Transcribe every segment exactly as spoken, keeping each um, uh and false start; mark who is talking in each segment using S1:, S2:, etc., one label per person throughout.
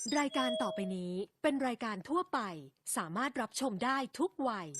S1: รายการต่อไปนี้เป็นรายการทั่วไปสามารถรับชมได้ทุกวัย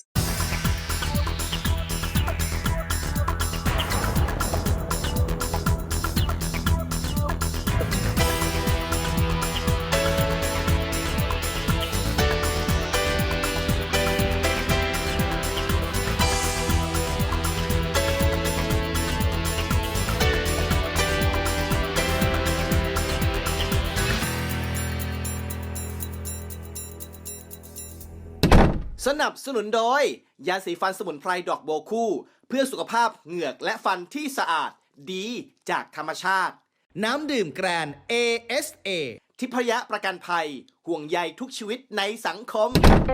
S2: สนับสนุนโดยยาสีฟันสมุนไพรดอกโบวคู่เพื่อสุขภาพเหงือกและฟันที่สะอาดดีจากธรรมชาติน้ำดื่มแกรน เอ เอส เอ ทิพยประกันภัยห่วงใยทุกชีวิตในสังคม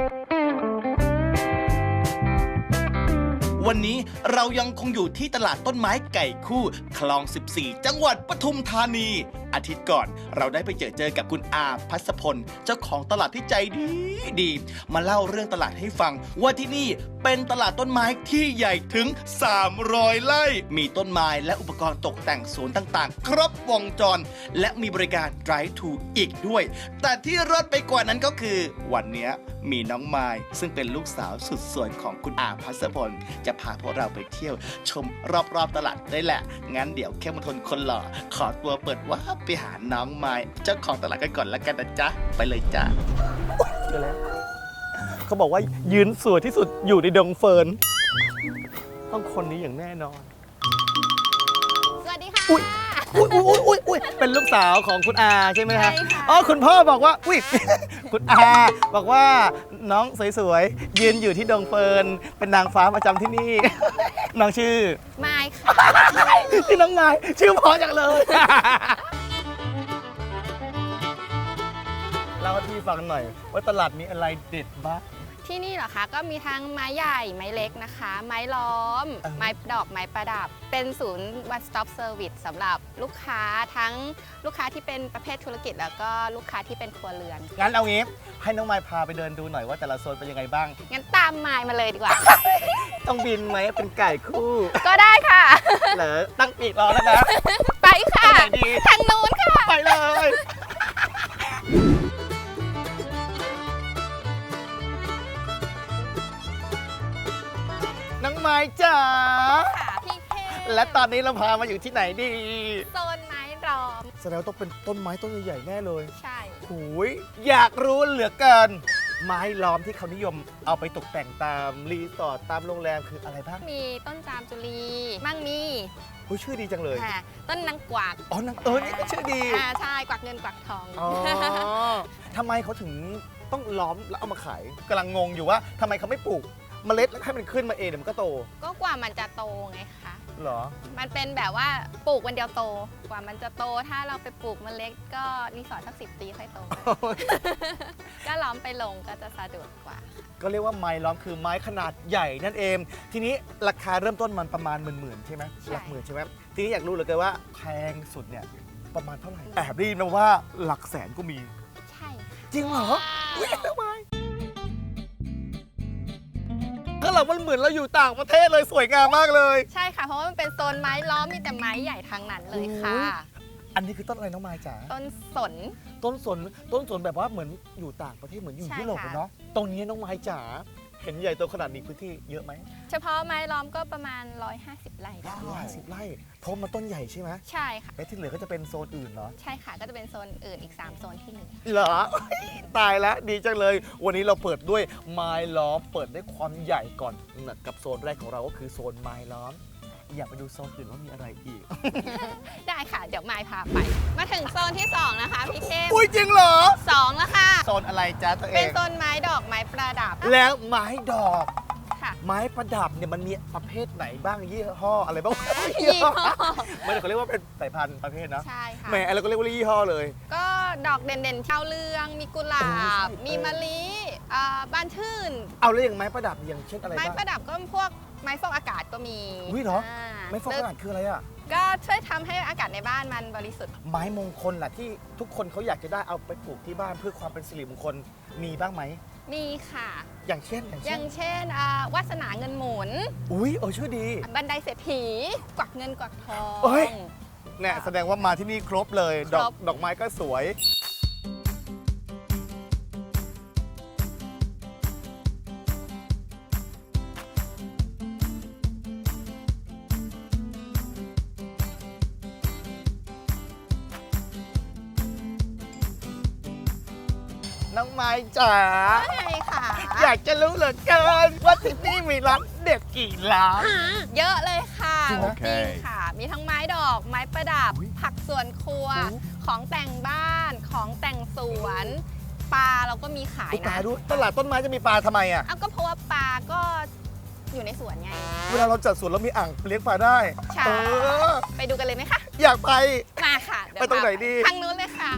S2: วันนี้เรายังคงอยู่ที่ตลาดต้นไม้ไก่คู่คลองสิบสี่จังหวัดปทุมธานีอาทิตย์ก่อนเราได้ไปเจอเจอกับคุณอาพัสพลเจ้าของตลาดที่ใจดีดีมาเล่าเรื่องตลาดให้ฟังว่าที่นี่เป็นตลาดต้นไม้ที่ใหญ่ถึงสามร้อยไร่มีต้นไม้และอุปกรณ์ตกแต่งสวนต่างๆครบวงจรและมีบริการ Drive to อีกด้วยแต่ที่รอดไปกว่านั้นก็คือวันนี้มีน้องไม้ซึ่งเป็นลูกสาวสุดสวยของคุณอาพัสพลจะพาพวกเราไปเที่ยวชมรอบๆตลาดได้แหละงั้นเดี๋ยวเข้มทนคนหล่อขอตัวเปิดว่าไปหาน้องไม้เจ้าของตลาดกันก่อนแล้วกันนะจ๊ะไปเลยจ้ะเจอแล้วเขาบอกว่ายืนสวยที่สุดอยู่ในดงเฟิร์นต้องคนนี้อย่างแน่นอน
S3: สวัสดีค่ะ
S2: อุ้ยอุ้ยอุ้ยอุ้ยอุ้ยเป็นลูกสาวของคุณอาใช่ไหมฮะ
S3: ใช่ค่ะ
S2: อ๋อคุณพ่อบอกว่าอุ้ยคุณอาบอกว่าน้องสวยๆยืนอยู่ที่ดงเฟิร์นเป็นนางฟ้าประจำที่นี่ น้องชื่อ
S3: ไม้ค่ะ
S2: ที่น้องไม้ชื่อเพอจังเลยเล่าให้พี่ฟังหน่อยว่าตลาดมีอะไรเด็ดบ้าง
S3: ที่นี่เหรอคะก็มีทั้งไม้ใหญ่ไม้เล็กนะคะ ไม้ล้อม
S2: เออ
S3: ไม้ดอกไม้ประดับ เป็นศูนย์ one stop service สำหรับลูกค้าทั้งลูกค้าที่เป็นประเภทธุรกิจ แล้วก็ลูกค้าที่เป็นครัวเรือน
S2: งั้นเอางี้ให้น้องไม้พาไปเดินดูหน่อยว่าแต่ละโซนเป็นยังไงบ้าง
S3: งั้นตามไม้มาเลยดีกว่า
S2: ต้องบินไหมเป็นไก่คู่
S3: ก็ได้ค่ะ
S2: เหรอตั้งปีกรอแล้วนะ
S3: ไปค่ะ
S2: ไปไหนดี
S3: ทางนู้นค่ะ
S2: ไปเลย น้องไม้จ๋า
S3: ค่ะพี่เทพ
S2: และตอนนี้เราพามาอยู่ที่ไหนดี
S3: โซนไม้ล้อม
S2: แสดงว่าต้องเป็นต้นไม้ต้นใหญ่ๆแน่เลย
S3: ใช่
S2: หูยอยากรู้เหลือเกิน ไม้ล้อมที่เขานิยมเอาไปตกแต่งตามรีสอร์ทตามโรงแรมคืออะไรบ้าง
S3: มีต้นจามจุลีมั่งมี
S2: หูยชื่อดีจังเลย
S3: ค่ะต้นนางกวัก
S2: อ๋อนางเออนี่ก็ชื่อดี
S3: อ่าใช่กวักเงินกวักทอง
S2: อ๋อทำไมเขาถึงต้องล้อมแล้วเอามาขายกำลังงงอยู่ว่าทำไมเขาไม่ปลูกเมล็ดแล้วให้มันขึ้นมาเองเดี๋ยวมันก็โต
S3: ก็กว่ามันจะโตไงคะ
S2: เหรอ
S3: มันเป็นแบบว่าปลูกวันเดียวโต กว่ามันจะโต ถ้าเราไปปลูกเมล็ดก็รีสอร์ทสักสิบปีค่อยโต ก็ล้อมไปลงก็จะสะดวกกว่า
S2: ก็เรียกว่าไม้ล้อมคือไม้ขนาดใหญ่นั่นเอง ทีนี้ราคาเริ่มต้นมันประมาณหมื่นๆใช่ไหม
S3: ใช่
S2: หลักหมื่นใช่ไหมทีนี้อยากรู้เหลยเกินว่าแพงสุดเนี่ยประมาณเท่าไหร่แอบได้ยินมาว่าหลักแสนก็มี
S3: ใช่
S2: จริงเหรออุ๊ยทำไมก็เรามันเหมือนเราอยู่ต่างประเทศเลยสวยงามมากเลย
S3: ใช่ค่ะ เพราะว่ามันเป็นโซนไม้ล้อมมีแต่ไม้ใหญ่ทั้งนั้นเลยค่ะ
S2: อันนี้คือต้นอะไรน้องไม้จ๋า
S3: ต้นสน
S2: ต้นสนต้นสนแบบว่าเหมือนอยู่ต่างประเทศเหมือนอยู่
S3: ใช่
S2: ยุโรป
S3: ค่ะ
S2: เลยเนาะตรงนี้น้องไม้จ๋าเห็นใหญ่โตขนาดนี้พื้นที่เยอะไหม
S3: เฉพาะไม้ล้อมก็ประมาณ หนึ่งร้อยห้าสิบ ไร่ได้
S2: ร้อยสิบไร่เพราะมันต้นใหญ่ใช่ไหม
S3: ใช่ค่ะ
S2: และที่เหลือก็จะเป็นโซนอื่นเหรอ
S3: ใช่ค่ะ ก็จะเป็นโซนอื่นอีก สาม โซนที่เหลือ
S2: เหรอ ตายแล้วดีจังเลย วันนี้เราเปิดด้วยไม้ล้อมเปิดด้วยความใหญ่ก่อนนะกับโซนแรกของเราก็คือโซนไม้ล้อม อยากไปดูโซนอื่นว่ามีอะไรอีก
S3: ได้ค่ะ เดี๋ยวไม้พาไป มาถึงโซนที่สองนะคะพี่เทพ
S2: อุ้ยจริงเหรอ
S3: สองแล้วค่ะ
S2: โซนอะไรจ๊ะตัวเอ
S3: เป็น
S2: ง
S3: โซนไม้ดอกไม้ประดับ
S2: แล้วไม้ดอก
S3: ค่ะ
S2: ไม้ประดับเนี่ยมันมีประเภทไหนบ้างยี่ห้ออะไรบ้าง
S3: ยี่ห้อ
S2: ไม่ได้เขาเรียกว่าเป็นสายพันธุ์ประเภทนะ
S3: ใช่ค่ะ
S2: แหมเราก็เรียกว่ายี่ห้อเลย
S3: ก็ดอกเด่นๆเช่าเรือง มีกุหลาบ
S2: เออใช่
S3: มีมะลิอ่าบานชื่น
S2: เอาแล้วอย่างไม้ประดับอย่างเช่นอะไร
S3: ไม้
S2: บ้าง
S3: ประดับก็พวกไม้ฟอกอากาศก็มี
S2: อุ๊ยเหรอ
S3: า
S2: ไม้ฟอกอากาศคืออะไรอะ
S3: ก็ช่วยทำให้อากาศในบ้านมันบริสุทธิ์
S2: ไม้มงคลล่ะที่ทุกคนเขาอยากจะได้เอาไปปลูกที่บ้านเพื่อความเป็นสิริมงคลมีบ้างไหม
S3: มีค่ะ
S2: อย่างเช่นอย่าง
S3: อ
S2: เช่น
S3: ย่างเช่นอ่าวาสนาเงินหมุน
S2: อุ้ยเออชื่อดี
S3: บันไดเศรษฐี กวักเงินกวักทอง
S2: เอ้ย เนี่ยแสดงว่ามาที่นี่ครบเลย ดอก
S3: ครบ
S2: ดอกไม้ก็สวย
S4: น้องไม้จ๋า
S3: ใช่ค่ะ
S4: อยากจะรู้เหลือเกินว่าที่นี่มีร้านเด็ดกี่ร้าน
S3: เยอะเลยค่ะ
S4: จริงไหม
S3: จริงค่ะ มีทั้งไม้ดอกไม้ประดับ
S4: อุ๊ย
S3: ผักสวนครัว
S4: โอ้
S3: ของแต่งบ้านของแต่งสวนปลาเราก็มีขาย
S4: อุ๊ยปลา
S3: นะ
S4: ด้วยตลาดต้นไม้จะมีปลาทำไมอ่ะ
S3: เอาก็เพราะว่าปลาก็อยู่ในสวนไง
S4: เวลาเราจัดสวนเรามีอ่างเลี้ยงปลาได้
S3: ใช่
S4: เออ
S3: ไปดูกันเลยไหมคะ
S4: อยากไป
S3: มาค่ะเยว
S4: ไปตรงไหนดี
S3: ทางนู้นเลยค่ะ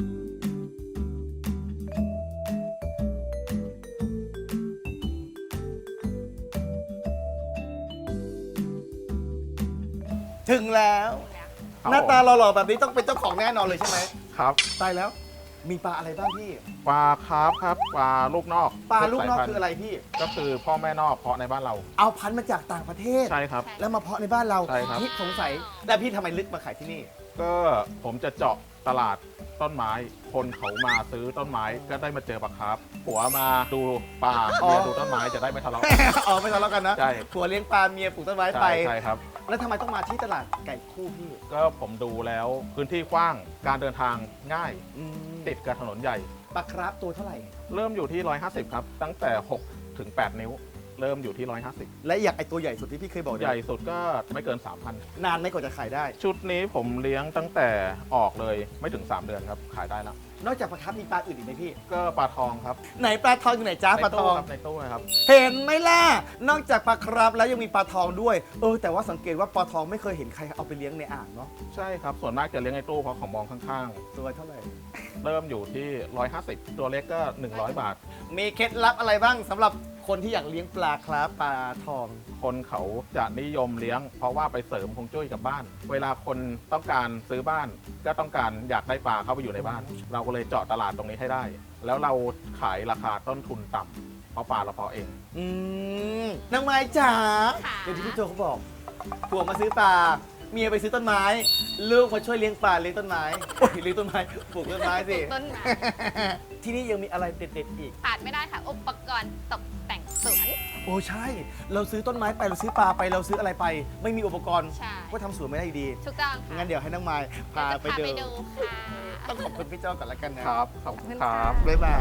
S4: ถึงแล้ว หน้าตาหล่อๆแบบนี้ต้องเป็นเจ้าของแน่นอนเลยใช่ไหม
S5: ครับ
S4: ตายแล้ว มีปลาอะไรบ้างพี่
S5: ปลาคาร์ฟครับปลาลูกนอก
S4: ปลาลูกนอก
S5: สยพัธุ์
S4: คืออะไรพี่
S5: ก็คือพ่อแม่นอกเพาะในบ้านเรา
S4: เอาพันธุ์มาจากต่างประเทศ
S5: ใช่ครับ
S4: แล้วมาเพาะในบ้านเรา
S5: ใช่ครับ
S4: พี่สงสัยแล้วพี่ทำไมลึกมาขายที่นี่
S5: ก็ผมจะเจาะตลาดต้นไม้ คนเขามาซื้อต้นไม้ก็ได้มาเจอปลาคาร์ฟผัวมาดูปลา
S4: อ๋อ
S5: เมียดูต้นไม้จะได้ไม่ทะเลาะ
S4: อ๋อไม่ทะเลาะกันนะ
S5: ใช่
S4: ผัวเลี้ยงปลาเมียปลูกต้นไม้ไป
S5: ใช่ใช่ครับ
S4: แล้วทำไมต้องมาที่ตลาดไก่คู่พี่
S5: ก็ผมดูแล้วพื้นที่กว้างการเดินทางง่าย
S4: อืม
S5: ติดกับถนนใหญ่
S4: ปลาคราฟตัวเท่าไหร่
S5: เริ่มอยู่ที่ หนึ่งร้อยห้าสิบ ครับ ตั้งแต่ หกถึงแปด นิ้ว เริ่มอยู่ที่ หนึ่งร้อยห้าสิบ
S4: และอยากไอตัวใหญ่สุดที่พี่เคยบอก
S5: ใหญ่สุดก็ไม่เกิน สามพัน
S4: นานไหม่กว่าจะขายได้
S5: ชุดนี้ผมเลี้ยงตั้งแต่ออกเลยไม่ถึง สาม เดือนครับขายได้แล้ว
S4: นอกจากปลาคราฟมีปลาอื่นอีกไหมพี่
S5: ก็ปลาทองครับ
S4: ไหนปลาทองอยู่ไหนจ้าปลาทอง
S5: ในตู้ครับในตู้นะครับ
S4: เห็นไหมล่ะ นอกจากปลาคราฟแล้วยังมีปลาทองด้วย เออแต่ว่าสังเกตว่าปลาทองไม่เคยเห็นใครเอาไปเลี้ยงในอ่างเนาะ
S5: ใช่ครับ ส่วนมากจะเลี้ยงในตู้เพราะของมองข้าง
S4: ตัวเท่าไหร่
S5: ๆ เริ่มอยู่ที่ หนึ่งร้อยห้าสิบ ตัวเล็กก็ หนึ่งร้อย บาท
S4: มีเคล็ดลับอะไรบ้างสำหรับคนที่อยากเลี้ยงปลาคราฟปลาทอง
S5: คนเขาจะนิยมเลี้ยง เพราะว่าไปเสริมฮวงจุ้ยกับบ้าน เวลาคนต้องการซื้อบ้าน ก็ต้องการอยากได้ปลาเข้าไปอยู่ในบ้าน เราก็เลยเจาะตลาดตรงนี้ให้ได้ แล้วเราขายราคาต้นทุนต่ำเพราะปลาเราเพาะเอง
S4: อืมนางไม้จ๋า
S3: ค่ะ
S4: เดี๋ยวที่พี่โจเขาบอกผัวมาซื้อปลา เมียไปซื้อต้นไม้ ลูกมาช่วยเลี้ยงปลาเลี้ยงต้นไม้โอ้ยเลี้ยงต้นไม้ปลูกต้นไม้สิ
S3: ต้นไม้
S4: ที่นี่ยังมีอะไรเด็ดๆอีก
S3: ขาดไม่ได้ค่ะ อุปกรณ์ตกแต่งสวน
S4: โอ้ใช่ เราซื้อต้นไม้ไปเราซื้อปลาไปเราซื้ออะไรไป ไม่มีอุปกรณ์
S3: ใช่
S4: ก็ทำสวนไม่ได้อยู่ดี
S3: ถูกต้องค่ะ
S4: งั้นเดี๋ยวให้น้องไม้พาไป
S3: เดี๋ยวจะ
S4: ดู
S3: ค่ะ
S4: ต้องขอบคุณพี่โจ้ก่อนละกันนะครับ
S5: ขอบคุณ
S3: ขอบคุณ
S5: ครั
S3: ค่ะ
S5: บ
S4: บ๊ายบาย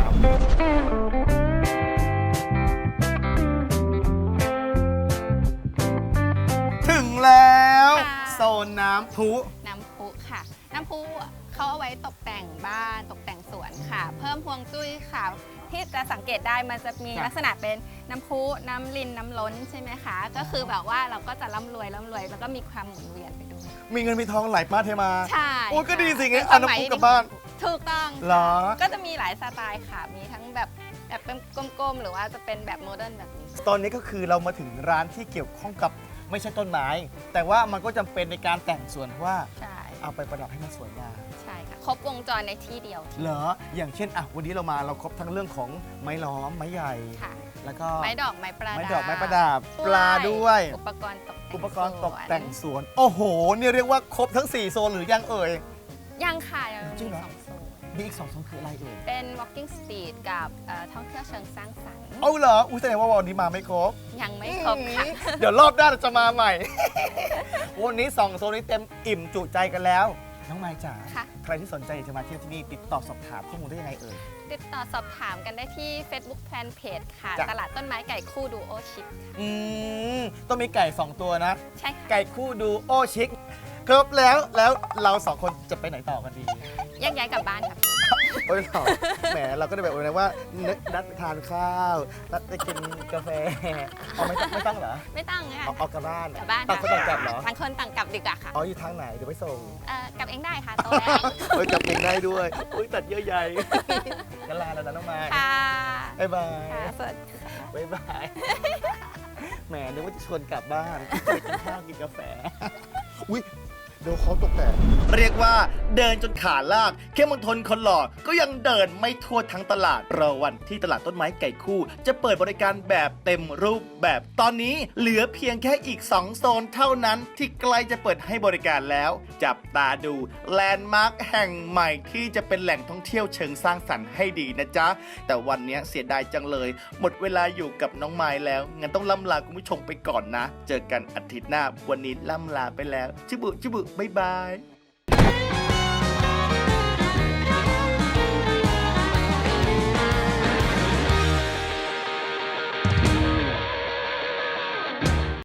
S4: ถึงแล้ว
S3: ค่ะ
S4: โซนน้ำพุ
S3: น้ำพุค่ะ น้ำพุเขาเอาไว้ตกแต่งบ้านตกแต่งสวนค่ะ เพิ่มพวงจุ้ยค่ะ ที่จะสังเกตได้มันจะมี
S4: ครับ
S3: ลักษณะเป็นน้ำพุน้ำลินน้ำล้นใช่ไหมคะ ก็คือแบบว่าเราก็จะร่ำรวยร่ำรวยแล้วก็มีความหมุนเวียนไปด้วย
S4: มีเงินมีทองไหลมาเทมา
S3: ใช่
S4: โอ้ยก็ดีสิงั้น
S3: เป็
S4: เอาน้ำพุกลับบ้าน
S3: ถูกต้อง
S4: เหรอ
S3: ก็จะมีหลายสไตล์ค่ะ มีทั้งแบบแบบเป็นกลมๆ หรือว่าจะเป็นแบบโมเดิร์นแบบนี้
S4: ตอนนี้ก็คือเรามาถึงร้านที่เกี่ยวข้องกับไม่ใช่ต้นไม้ แต่ว่ามันก็จำเป็นในการแต่งสวนเพราะว่า
S3: ใช่
S4: เอาไปประดับให้มันสวยงาม
S3: ใช่ค่ะ ครบวงจรในที่เดียว
S4: เหรอ อย่างเช่นอ่ะวันนี้เรามาเราครบทั้งเรื่องของไม้ล้อมไม้ใหญ่
S3: ค่ะ
S4: แล้วก็
S3: ไม้ดอกไม้ประดับ
S4: ไม้ดอกไม้ประดับปลาด้วย
S3: อุปกรณ์ตกแต่ง
S4: อุปกรณ์ตก
S3: สวน
S4: แต่งสวน โอ้โหเนี่ยเรียกว่าครบทั้ง สี่ โซนหรือยังเอ่ย
S3: ยังค่ะยัง
S4: จริ
S3: มี
S4: งเหรอ
S3: สองโซน
S4: มีอีกสองโซนคืออะไรเอ่ย
S3: เป็น walking street กับเอ่อท่องเที่ยวเชิงสร้างสรรค์
S4: เอาเหรออุ้ยแสดงว่าวันนี้มาไม่ครบ
S3: ยังไม่ครบค่ะ
S4: เดี๋ยวรอบหน้าเราจะมาใหม่ วันนี้สองโซนนี้เต็มอิ่มจุใจกันแล้ว น้องไม้จ๋า
S3: ค่ะ
S4: ใครที่สนใจอยากจะมาเที่ยวที่นี่ติดต่อสอบถามข้อมูลได้ยังไงเอ่ย
S3: ติดต่อสอบถามกันได้ที่ Facebook Fanpage ค่ะ
S4: จ้ะ
S3: ตลาดต้นไม้ไก่คู่ดูโอชิคค่ะ
S4: อืมต้องมีไก่สองตัวนะ
S3: ใช่ค่ะ
S4: ไก่คู่ดูโอชิคครบแล้วแล้วเราสองคนจะไปไหนต่อกันดี
S3: แยกย้ายกลับบ้านค่ะพี่
S4: โอ้ยหรอแหมเราก็ได้แบบว่าว่านึกนัดไปทานข้าวนัดไปกินกาแฟเอาไม่ต้องไม่ต้องเหรอ
S3: ไม่ต้องค่ะ
S4: เอาเอากลับบ้าน
S3: กลับบ้าน
S4: ต่างคนต่างกลับเหรอ
S3: ต่างคนต่างกลับดีกว่าค่ะ
S4: อ๋ออยู่ทางไหนเดี๋ยวไปส่ง
S3: เอ่อกลับเองได้ค่ะโตแล้ว
S4: เฮ้ยกลับเองได้ด้วยอุ้ยตัดเยอะใหญ่กันลาแล้วนะน้องไม้
S3: ค่ะ
S4: บ๊ายบาย
S3: ค่ะสวัสดีค่ะ
S4: บ๊ายบาย แหมนึกว่าจะชวนกลับบ้านไปกินข้าวกินกาแฟ อุ้ยเดี๋ยวเขาตกแต่เรียกว่าเดินจนขาลากเข้มมณฑลคนหล่อก็ยังเดินไม่ทั่วทั้งตลาดรอวันที่ตลาดต้นไม้ไก่คู่ จะเปิดบริการแบบเต็มรูปแบบตอนนี้เหลือเพียงแค่อีกสองโซนเท่านั้นที่ใกล้จะเปิดให้บริการแล้ว จับตาดูแลนด์มาร์คแห่งใหม่ที่จะเป็นแหล่งท่องเที่ยวเชิงสร้างสรรค์ให้ดีนะจ๊ะแต่วันนี้เสียดายจังเลย หมดเวลาอยู่กับน้องไม้แล้วงั้นต้องล่ำลาคุณผู้ชมไปก่อนนะ เจอกันอาทิตย์หน้าวันนี้ล่ำลาไปแล้วจิบุจิบุบ๊ายบาย